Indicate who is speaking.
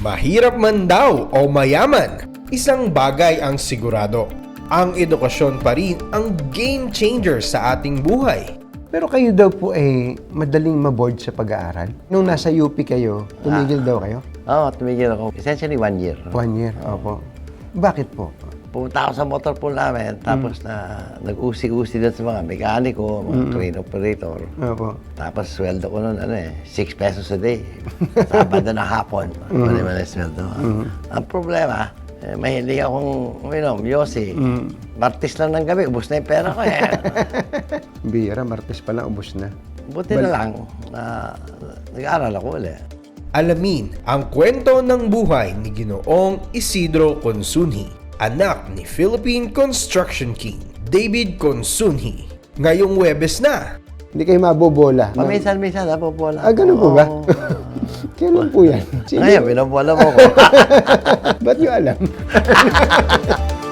Speaker 1: Mahirap man daw o mayaman, isang bagay ang sigurado. Ang edukasyon pa rin ang game changer sa ating buhay.
Speaker 2: Pero kayo daw po ay madaling maboard sa pag-aaral. Nung nasa UP kayo, tumigil daw kayo?
Speaker 3: Oo, tumigil ako. Essentially 1 year.
Speaker 2: 1 year, opo. Bakit po?
Speaker 3: Pumunta ako sa motor pool namin, tapos nag-usi-usi doon sa mga mekaniko, mga crane operator.
Speaker 2: Opo.
Speaker 3: Tapos sweldo ko noon, 6 pesos a day. Sabado na hapon, mali-mali sweldo. Ang problema, mahilig akong uminom, yosi. Martis lang ng gabi, ubos na yung pera ko eh.
Speaker 2: Bira, Martes pa lang, ubos na.
Speaker 3: Buti na lang na nag-aaral ako ulit.
Speaker 1: Alamin ang kwento ng buhay ni Ginoong Isidro Consunji, anak ni Philippine Construction King David Consunji. Ngayong Huwebes na.
Speaker 2: Hindi kayo mabobola.
Speaker 3: Paminsan-minsan, napopola.
Speaker 2: Ah, ganun po ba? Kailan po yan?
Speaker 3: Ngayon, binobola mo ko.
Speaker 2: Ba't nyo alam?